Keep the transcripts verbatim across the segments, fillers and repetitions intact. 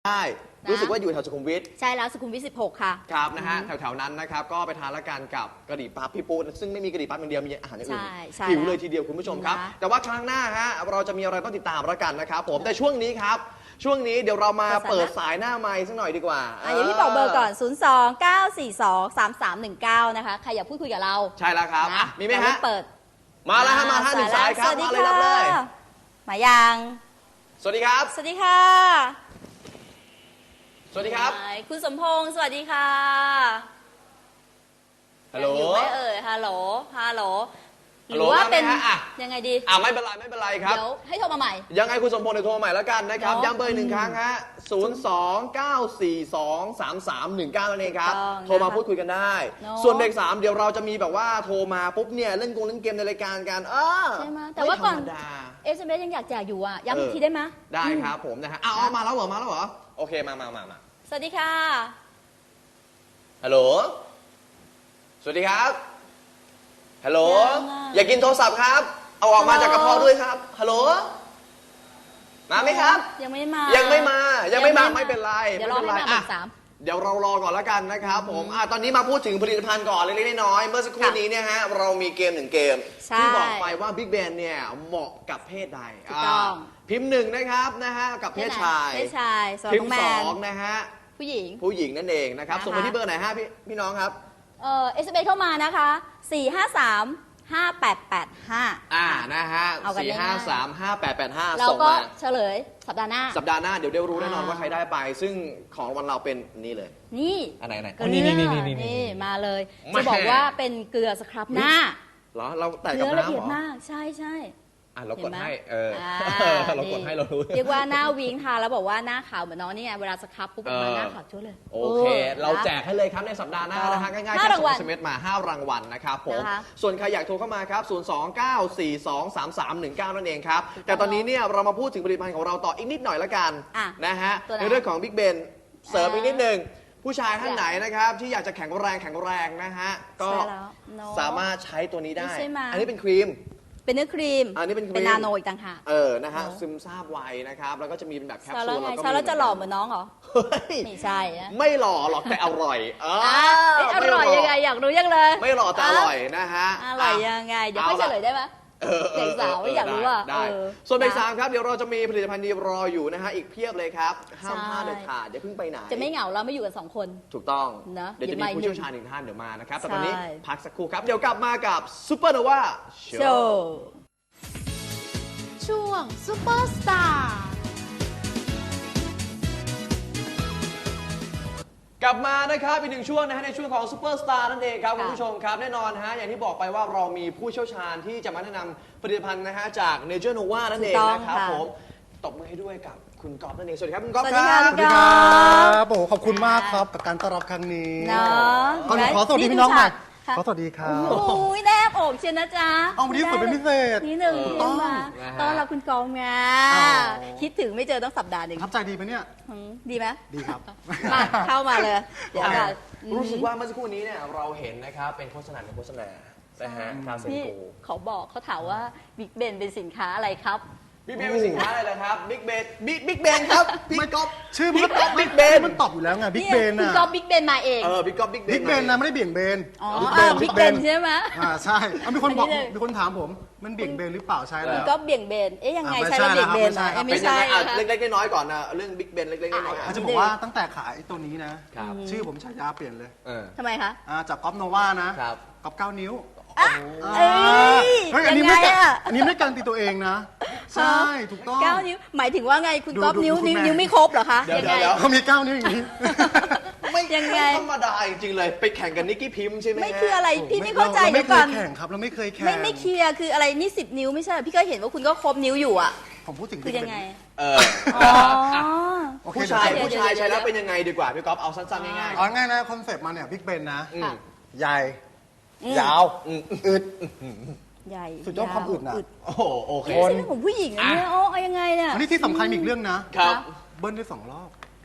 ได้รู้สึกว่าอยู่แถวสุขุมวิทใช่แล้วสุขุมวิทสิบหกค่ะครับนะฮะแถวๆนั้นนะครับก็ไปทานละกันกับกะหรี่ปั๊บพี่ปูซึ่งไม่มีกะหรี่ปั๊บอย่างเดียวมีอาหารอย่างอื่นหิวเลยทีเดียวคุณผู้ชมครับแต่ว่าครั้งหน้าฮะเราจะมีอะไรต้องติดตามละกันนะครับผมแต่ช่วงนี้ครับช่วงนี้เดี๋ยวเรามาเปิดสายหน้าไมค์สักหน่อยดีกว่าอ่ะอย่างที่บอกเบอร์ก่อน ศูนย์ สอง เก้า สี่ สอง สาม สาม หนึ่ง เก้า นะคะใครอยากพูดคุยกับเราใช่แล้วครับมีไหมฮะเปิดมาแล้วฮะมาท่านหนึ่งสายครับมาเลยรับเลยมายังสวัสดีครับสวัสดีค่ะสวัสดีครับคุณสมพงษ์สวัสดีค่ะฮัลโหลอยู่ไม่เอ่ยฮัลโหลฮัลโหลหรือว่าเป็นยังไงดีอ่าไม่เป็นไรไม่เป็นไรครับเดี๋ยวให้โทรมาใหม่ยังไงคุณสมพงษ์เดี๋ยวโทรมาใหม่แล้วกันนะครับย้ำเบอร์หนึ่งครั้งฮะศูนย์ สอง เก้า สี่ สอง สาม สาม หนึ่ง เก้านั่นเองครับโทรมาพูดคุยกันได้ส่วนเบรกสามเดี๋ยวเราจะมีแบบว่าโทรมาปุ๊บเนี่ยเล่นกงเล่นเกมในรายการกันเออใช่ไหมแต่ว่าก่อนเอสเอ็มเอสยังอยากแจกอยู่อ่ะย้ำอีกทีได้ไหมได้ครับผมนะฮะอ้าวมาแล้วเหรอมาแล้วเหรอโอเคมามามามาสวัสดีค่ะฮัลโหลสวัสดีครับฮัลโหลอยากกินโทรศัพท์ครับเอาออกมาจากกระเพาะด้วยครับฮัลโหลมาไหมครับยังไม่มายังไม่มายังไม่มาไม่เป็นไรเดี๋ยวรอให้มาเบอร์สามเดี๋ยวเรารอก่อนแล้วกันนะครับผมอ่ะตอนนี้มาพูดถึงผลิตภัณฑ์ก่อนเล็กๆน้อยๆเมื่อสักครู่นี้เนี่ยฮะเรามีเกมหนึ่งเกมที่บอกไปว่า Big Bang เนี่ยเหมาะกับเพศใดถูกต้องพิมพ์หนึ่งนะครับนะฮะกับเพศชายเพศชายพิมพ์สองนะฮะผู้หญิงผู้หญิงนั่นเองนะครับส่งมาที่เบอร์ไหนฮะพี่พี่น้องครับเอ่อเอสเอ็มเอสเข้ามานะคะสี่ห้าสามห้าแปดแปดห้าอ่านะฮะสี่ห้าสามห้าแปดแปดห้าส่งมาเฉลยสัปดาห์หน้าสัปดาห์หน้าเดี๋ยวได้รู้แน่นอนว่าใครได้ไปซึ่งของรางวัลเราเป็นนี่เลยนี่อันไหนไหนนี่นี่นี่นี่มาเลยจะบอกว่าเป็นเกลือสครับหน้าเหรอเราแต่กับน้ำเหรอเนื้อละเอียดมากใช่ใช่อ่ะเรากดให้เออเรากดให้เรารู้เรียกว่าหน้าวิงทาแล้วบอกว่าหน้าขาวเหมือนน้องนี่ไงเวลาสครับปุ๊บมาหน้าขาวชั่วเลยโอเคเราแจกให้เลยครับในสัปดาห์หน้านะฮะง่ายๆแค่ส่ง เอส เอ็ม เอส มาห้ารางวัลนะครับผมส่วนใครอยากโทรเข้ามาครับศูนย์ สอง เก้า สี่ สอง สาม สาม หนึ่ง เก้านั่นเองครับแต่ตอนนี้เนี่ยเรามาพูดถึงผลิตภัณฑ์ของเราต่ออีกนิดหน่อยละกันนะฮะในเรื่องของ Big Ben เสริมอีกนิดนึงผู้ชายท่านไหนนะครับที่อยากจะแข็งแรงแข็งแรงนะฮะก็สามารถใช้ตัวนี้ได้อันนี้เป็นครีมเป็นเนื้อครีมอันนี้เป็นครีมเป็นนาโนอีกต่างหากเออนะฮะซึมซาบไวนะครับแล้วก็จะมีเป็นแบบแคปซูลแล้วก็ใช้แล้วจะหล่อเหมือนน้องเหรอไม่ใช่ไม่หล่อหรอกแต่อร่อยเอออร่อยยังไงอยากรู้ยังเลยไม่หล่อแต่อร่อยนะฮะอร่อยยังไงเดี๋ยวค่อยเฉลยได้ไหมเด็กสาวอยากรู้อ่ะได้ส่วนเบรกสามครับเดี๋ยวเราจะมีผลิตภัณฑ์ดีรออยู่นะฮะอีกเพียบเลยครับห้ามพลาดเด็ดขาดอย่าเพิ่งไปไหนจะไม่เหงาเราไม่อยู่กันสองคนถูกต้องเดี๋ยวจะมีผู้เชี่ยวชาญหนึ่งท่านเดี๋ยวมานะครับแต่ตอนนี้พักสักครู่ครับเดี๋ยวกลับมากับซูเปอร์โนวาโชว์ช่วงซุปเปอร์สตาร์กลับมานะครับอีกหนึ่งช่วงนะฮะในช่วงของซูเปอร์สตาร์นั่นเองครับคุณผู้ชมครับแน่นอนฮะอย่างที่บอกไปว่าเรามีผู้เชี่ยวชาญที่จะมาแนะนำผลิตภัณฑ์นะฮะจากเนเจอร์โนวานั่นเองนะครับผมตบมือให้ด้วยกับคุณก๊อฟนั่นเองสวัสดีครับคุณก๊อฟครับสวัสดีครับโอ้ขอบคุณมากครับกับการต้อนรับครั้งนี้เนาะก่อนขอสวัสดีพี่น้องหน่อยขอสวัสดีครับโอ้ยแนบอกเชียนะจ๊ะเอาวันนี้สวยเป็นพิเศษนี่หนึ่งมาต้อนรับคุณกองไงคิดถึงไม่เจอต้องสัปดาห์หนึ่งทับใจดีไหมเนี่ยดีไหมดีครับมาเข้ามาเลยเดี๋ยวรู้สึกว่าเมื่อสักครู่นี้เนี่ยเราเห็นนะครับเป็นโฆษณาเป็นโฆษณานะฮะคาเซนโกเขาบอกเขาถามว่าบิ๊กเบนเป็นสินค้าอะไรครับบิ๊กเบนเป็นสินค้าอะไรนะครับบิ๊กเบนบิ๊กบิ๊กเบนครับพี่ก๊อฟชื่อมันตอบบิ๊กเบนมันตอบอยู่แล้วไงบิ๊กเบนนะคุณก๊อฟบิ๊กเบนมาเองเออบิ๊กก๊อฟบิ๊กเบนบิ๊กเบนนะไม่ได้เบี่ยงเบนอ๋อบิ๊กเบนใช่ไหมอ่าใช่มีคนบอกมีคนถามผมมันเบี่ยงเบนหรือเปล่าใช่แล้วคุณก๊อฟเบี่ยงเบนเอ๊ยยังไงใช่แล้วเบี่ยงเบนไม่ใช่เล็กๆน้อยๆก่อนนะเรื่องบิ๊กเบนเล็กๆน้อยๆจะบอกว่าตั้งแต่ขายตัวนี้นะชื่อผมฉายาเปลี่ยนเลยทำไมคะจากก๊อฟโนวานะก๊อฟเก้านิ้วเอ้ยอันนี้ไม่อันนี้ไม่การตีตัวเองนะใช่ถูกต้องเก้านิ้วหมายถึงว่าไงคุณก๊อฟนิ้วนิ้วไม่ครบเหรอคะเดี๋ยวเขามีเก้านิ้วอย่างนี้ไม่ยังไงธรรมดาจริงๆเลยไปแข่งกันนิกกี้พิมพ์ใช่ไหมไม่คืออะไรพี่ไม่เข้าใจเดี๋ยวก่อนไม่เคยแข่งครับเราไม่เคยแข่งไม่ไม่เคลียร์คืออะไรนี่สิบนิ้วไม่ใช่พี่ก็เห็นว่าคุณก็ครบนิ้วอยู่อ่ะผมพูดถึงคือยังไงเออผู้ชายผู้ชายใช้แล้วเป็นยังไงดีกว่าพี่ก๊อฟเอาสั้นๆง่ายๆเอาง่ายนะคอนเซ็ปต์มาเนี่ยบิ๊กเบนนะใหญ่ยาวอึดใหญ่สุดยอดความอึดนะโอ้โหโอเคไม่ใช่เรื่องของผู้หญิงนะเนี่ยโอ้ยังไงเนี่ยอันนี้ที่สำคัญอีกเรื่องนะครับเบิ้ลได้สองรอบ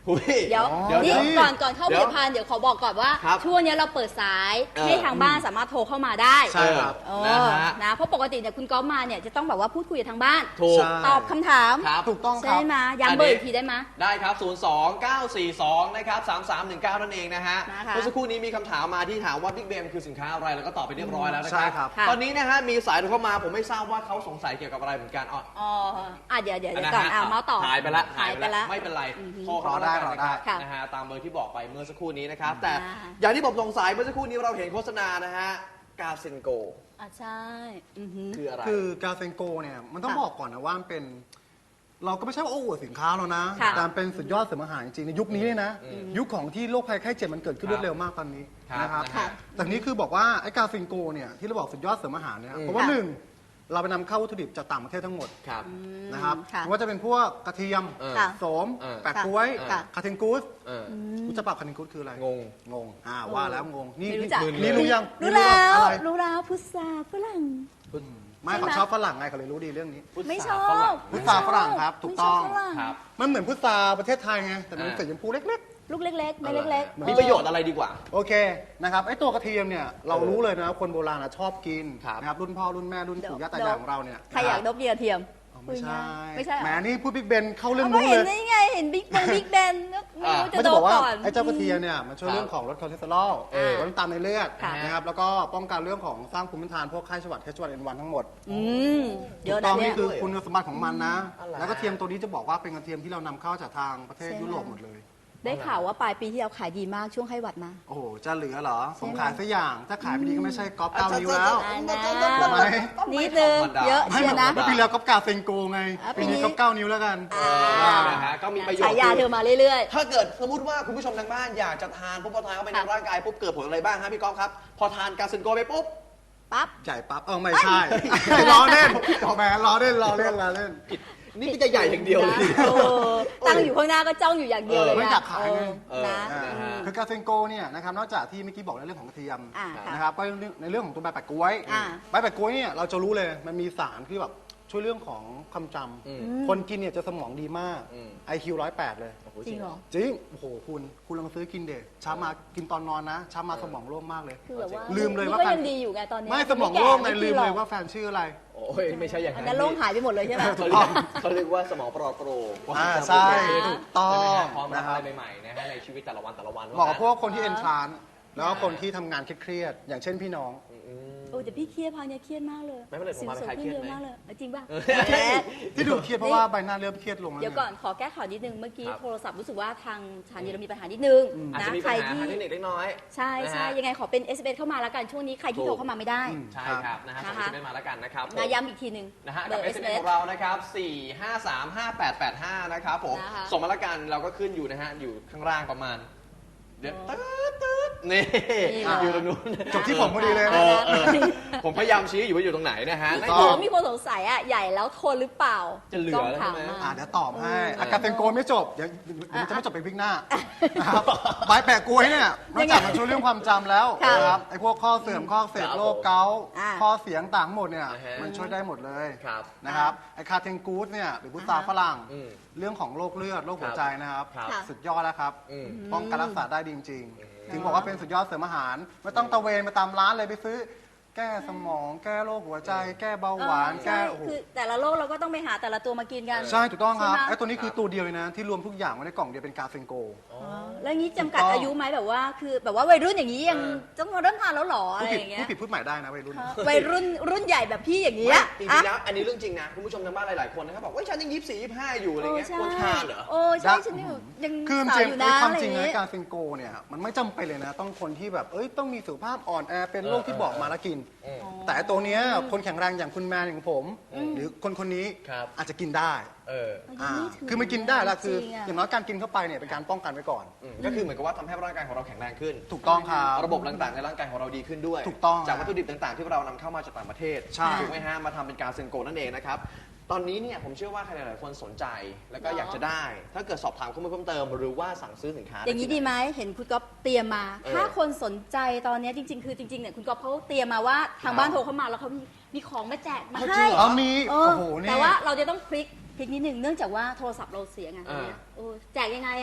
หุยเดี๋ยวเดี๋ยวนี่เดี๋ยวก่อนก่อนเข้าผเดี๋ลิยวตภัณฑ์เดี๋ยวขอบอกก่อนว่าครับช่วงนี้เราเปิดสายเออให้ทางบ้านสามารถโทรเข้ามาได้ใช่ครับเอนะอฮะนะเพราะปกติเนี่ยคุณก๊อฟมาเนี่ยจะต้องแบบว่าพูดคุยกับทางบ้านถูกใช่ตอบคำถามครับถูกต้องคใช่รับไหมย้ำเบอร์อีกทีได้ไหมได้ครับ ศูนย์ สอง เก้า สี่ สอง นะครับ สาม สาม หนึ่ง เก้า นั่นเองนะฮะนะคะเมื่อสักครู่นี้มีคำถามมาที่ถามว่า Big Ben คือสินค้าอะไร แล้วก็ตอบไปเรียบร้อยแล้วนะคใช่รับครับค่ะตอนนี้นะฮะ มีสายโทรเข้ามา ผมไม่ทราบว่าเขาสงสัยเกี่ยวกับอะไรเหมือนกันอ๋ออ๋ออ่ะเดี๋ยวเดี๋ยวอันเดี๋ยนั้วน ก่อนฮะอ่ะเมาส์ต่อหายไปละหายไปละไม่เป็นไรอือฮึโทรเข้ามาแล้วกันนะครับค่ะนะฮะ ตามเบอร์ที่บอกไปเมื่อสักครู่นี้นะครับ แต่อ่าอย่างที่ผมสงสัยเมื่อสักครู่นี้เราเห็นโฆษณานะฮะ กาเซนโกอ่ะใช่อือหือคืออะไรคือกาเซนโกเนี่ยมันต้องค่ะบอกก่อนนะว่ามันเป็น เราก็ไม่ใช่ว่าโอ้อวดสินค้าเรานะค่ะแต่เป็นสุดยอดเสริมอาหารจริงๆในยุคนี้เนี่ยนะ ยุคของที่โรคภัยไข้เจ็บมันเกิดขึ้นครรับวดเร็วมากตอนนี้ครับนะครับนะฮะแต่นี้คือบอกว่าไอ้กาเซนโกเนี่ยที่เราบอกสุดยอดเสริมอาหารเนี่ยอืมเพราะว่าค่ะหนึ่งเราไปนำเข้าวัตถุดิบจากต่างประเทศทั้งหมดครับนะครับค่ะไม่ว่าจะเป็นพวกกระเทียมเออค่ะโสมเออแปะกล้วยค่ะคาเทนกูสเออรู้จักเปล่าคาเทนกูสคืออะไรงงงงอ่าว่าแล้วงงนี่ไม่รู้นี่จักนี่รู้ยังรู้นี่แล้วอะไรรู้แล้วพุทราฝรั่งไม่ใช่ไหมเขาชอบฝรั่งไงเขาเลยรู้ดีเรื่องนี้พุทธไม่ชอฝรั่บงพุทราฝรั่งครับถูกต้องไม่ชบฝรั่ครับมันเหมือนพุทราประเทศไทยไงแต่มันอ่าสีชมพูเล็กลูกเล็กๆ ไม่เล็กๆมีประโยชน์อะไรดีกว่าๆ โอเคนะครับไอ้ตัวกระเทียมเนี่ยเรารู้เลยนะคนโบราณอะชอบกินครับนะครับรุ่นพ่อรุ่นแม่รุ่นปู่ย่าตายายของเราเนี่ยใครอยากดบเกลือเทียมอ๋อไม่ใช่ไม่ใช่เหรอแหมนี่พูดบิ๊กเบนเข้าเรื่องก็นู้นเห็นเลยได้ไงเห็นบิ๊กบงบิ๊กแบนไม่รู้จะไม่โดจะนบอกว่าก่อนไอ้เจ้ากระเทียมเนี่ยมันช่วยครับเรื่องของลดคอเลสเตอรอลเออลดน้ำตาลในเลือดค่ะนะครับแล้วก็ป้องกันเรื่องของสร้างภูมิต้านทานพวกไข้หวัดไข้หวัดเอ็นวันทั้งหมดอืมเยอะต้นะองเนี่นี่ยคือคุณสมบัติของมันนะอะไรแล้วก็เทียมตัวนี้จะบอกว่าเป็นกระเทียมที่เรานำเข้าจากทางประเทศใช่ไหมยุโรปหมดเลยได้ข่าวว่าปลายปีที่เราขายดีมากช่วงไข้หวัดมาโอ้โห จะเหลือเหรอ ผมใช่ไหมขายสักอย่าง ถ้าขายไม่ดีก็ไม่ใช่ก๊อปเก้านิ้วแล้วได้นะทำไมนิดนึงเยอะให้เชีแบยบร์นะว่าปีแล้วก๊อปกาเซนโกไงอ่ะปีนี้ปีนี้ก๊อปเก้านิ้วแล้วกันอ่านะฮะก็มีประโยชน์ฉายาเธอมาเรื่อยถ้าเกิดสมมติว่าคุณผู้ชมทางบ้านอยากจะทานปุ๊บพอทานเข้าไปในค่ะร่างกายปุ๊บเกิดผลอะไรบ้างฮะพี่ก๊อฟครับ พอทานกาเซนโกไปปุ๊บๆ ปั๊บใหญ่ปั๊บ เออไม่ใช่ ล้อเล่นแหมล้อเล่นล้อเล่นล้อเล่นนี่ก็จะใหญ่อย่างเดียวเลยนะเออตั้งอยู่ข้างหน้าก็จ้องอยู่อย่างเดียวเลยเออไม่นะอยากขายไงเออนะเอออืมคือกาเซนโกเนี่ยนะครับนอกจากที่เมื่อกี้บอกในเรื่องของกระเทียมอ่าค่ะนะครับก็ในเรื่องของตัวใบแปะกล้วยอ่าใบแปะกล้วยเนี่ยเราจะรู้เลยมันมีสารที่แบบช่วยเรื่องของความจอืมำคนกินเนี่ยจะสมองดีมากอืมไอคิวร้อยแปดเลยจริงเหรอจริง โอ้โห คุณ คุณลองซื้อกินเด็เช้ามากินตอนนอนนะ เช้ามาสมองโล่งมากเลยคือแบบว่าลืมเลยว่านี่ก็การยังดีอยู่ไงตอนนี้ไม่สมองโล่งไงแก่ลืมหรเลอกยว่าแฟนชื่ออะไรโอ้ยไม่ใช่อย่างอันนั้นั้น นโล่งหายไปหมดเลยใช่ไหมเขาเรียกเขาเรียกว่าสมองปลอดโปร่งอ่าใช่ ถูกต้อใช่ไหมงฮะพร้อมรับนะคอะรับไรใหม่ๆนะฮะในชีวิตแต่ละวันแต่ละวันเหมาะกับพวกคนที่เอนทรานแล้วก็คนที่ทำงานเครียดๆอย่างเช่นพี่น้องอืมโอ้แต่พี่เครียดพังเนี่ยเครียดมากเลยไม่เป็นไรผมสิวมาสวยคลายขึ้นเครียดเยอะไหมมากเลยเออจริงป่ะเออแหมที่ดูเครียดเพราะว่าใบหน้าเริ่มเครียดลงแล้วเดี๋ยวไงก่อนขอแก้ข่าวนิดนึงเมื่อกี้ครับโทรศัพท์รู้สึกว่าทางชานยีเรามีปัญหานิดนึงอาจนะจะมีใคปัรญหาที่ทางเทคนิคเล็กน้อยใช่ใช่นะฮะยังไงขอเป็น เอส เอ็ม เอส เข้ามาแล้วกันช่วงนี้ใครที่ถูกโทรเข้ามาไม่ได้อืมใช่ครับนะฮะส่งนะคะเอสเอ็มเอสมาแล้วกันนะครับผมนะย้ำอีกทีหนึ่งนะฮะเบกัอบ ร์เอเอสสเอ็มเอเอสสของเรานะครับสี่ห้าสามห้าแปดแปดห้านะครับผมนะคะส่งมาแล้วกันเราก็ขึ้นอยู่นะฮะอยู่ข้างล่างประมาณเดี๋ยวอ๋อตืดตืดนี่นี่เหรออยู่ตรงนู้นจบที่ผมพอดีเลยเอนะอเออผมพยายามชี้อยู่ว่าอยู่ตรงไหนนะฮะมีนั่นคคืนอมีคนสงสัยอ่ะใหญ่แล้วทนหรือเปล่าจะเหลือต้องแล้วถามใช่ไหมมาอ่าเดี๋ยวตอบให้เอออากาเซนโกไม่จบ เดี๋ยวเดี๋ยวมันจะไม่จบไปพริกหน้านะครับใบแปะกล้วยเนี่ยนอกจากมันช่วยเรื่องความจำแล้วค่ะนะครับไอ้พวกข้อเสื่อมข้ออักเสพโรคเกาต์อ่าข้อเสียงต่างหมดเนี่ยอ่าฮะมันช่วยได้หมดเลยครับนะครับไอ้คาเทนกูสเนี่ยหรือพุทราฝรั่งอืมเรื่องของโรคเลือดโรคหัวใจนะครับครับค่ะสุดยอดแล้วครับอืมป้องกันรักษาได้ดีจริงๆ ถึงบอกว่าเป็นสุดยอดเสริมอาหาร ไม่ต้องตะเวนไปตามร้านเลยไปซื้อ แก้สมอง แก้โรคหัวใจ แก้เบาหวานเออแก้ใช่โอ้โหคือแต่ละโรคเราก็ต้องไปหาแต่ละตัวมากินกันใช่ถูกต้องครับใช่ไหมไอ้ตัวนี้คือตัวเดียวเลยนะ ที่รวมทุกอย่างไว้ในกล่องเดียวเป็นกาเซนโกอ๋อแล้วงี้จำกัดถูกต้องอายุไหมแบบว่า คือแบบว่าวัยรุ่นอย่างนี้ยังเออต้องมาเริ่มทานแล้วเหรออะผู้ไรผิดอย่างเงี้ยผู้ผิดพูดใหม่ได้นะวัยรุ่นวัยรุ่นรุ่นใหญ่แบบพี่อย่างนี้ไม่อะจริอ่ะงๆแล้วอันนี้เรื่องจริงนะคุณผู้ชมทางบ้านหลายๆคนนะครับบอกว่าฉันยังยี่สิบสี่ยี่สิบห้าอยู่อะไรเงี้ยใช่ควรทานเหรอโอ้ใช่ฉันยังยังคือสาวจริงอยู่ๆนะความอะไรอจริงย่างนะงี้กาเซนโกเนี่ยมันไม่จำเป็นเลยนะ ต้องคนที่แบบเอ้ยต้องมีสุขภาพอ่อนแอเป็นโรคที่บอกมาแล้วกินอืมแต่ไอ้ตัวเนี้ยคนแข็งแรงอย่างคุณแมนอย่างผม หรือคนคนนี้ครับอาจจะกินได้เอออ่าไม่ถึงคือมันกินได้แล้วคือจริงๆอะอย่างน้อยการกินเข้าไปเนี่ยเป็นการป้องกันไว้ก่อนอืมก็คือเหมือนกับว่าทำให้ร่างกายของเราแข็งแรงขึ้นถูกต้องครับระบบต่างๆในร่างกายของเราดีขึ้นด้วยถูกต้องจากวัตถุดิบต่างๆ ที่เรานำเข้ามาจากต่างประเทศใช่ถูกไหมฮะมาทำเป็นกาเซนโกนั่นเองนะครับตอนนี้เนี่ยผมเชื่อว่าใครหลายๆคนสนใจ แล้วก็เหรออยากจะได้ ถ้าเกิดสอบถามข้อมูลเพิ่มเติม หรือว่าสั่งซื้อสินค้าอย่างนี้ที่ดีไหมเห็นคุณก๊อฟเตรียมมาเออถ้าคนสนใจตอนนี้จริง ๆ คือจริงๆเนี่ยคุณก๊อฟเขาเตรียมมาว่าทางบ้านโทรเข้ามาแล้วเขามีมีของมาแจกมาเอาจริให้งเหรอ๋อมีเอโอ้อโหนี่แต่ว่าเราจะต้องพลิกพลิกนิดหนึ่งเนื่องจากว่าโทรศัพท์เราเสียไงอ่าโอ้แจกยังไงอ่ะ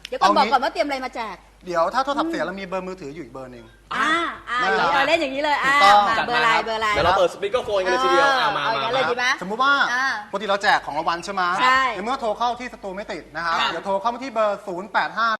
เดี๋ยวก่อนเอาบอกงี้ก่อนว่าเตรียมอะไรมาแจกเดี๋ยวถ้าโทรศัพท์เสียเรามีเบอร์มือถืออยู่อีกเบอร์หนึ่งอ่าอ่านั่นแหละเออเล่นอย่างนี้เลยอ่าถูกต้องมาจัดเบอร์อะไรเบอร์อะไรเดี๋ยวเราเปิดสปีกเกอร์โฟนกันเลยทีเดียวอ่ะมาเอาอย่างนั้นมาเลยดีไหมสมมุติว่าอ่าปกติเราแจกของรางวัลใช่ไหมใช่ในเมื่อโทรเข้าที่สตูไม่ติดนะครับครับเดี๋ยวโทรเข้ามาที่เบอร์ ศูนย์ แปด ห้า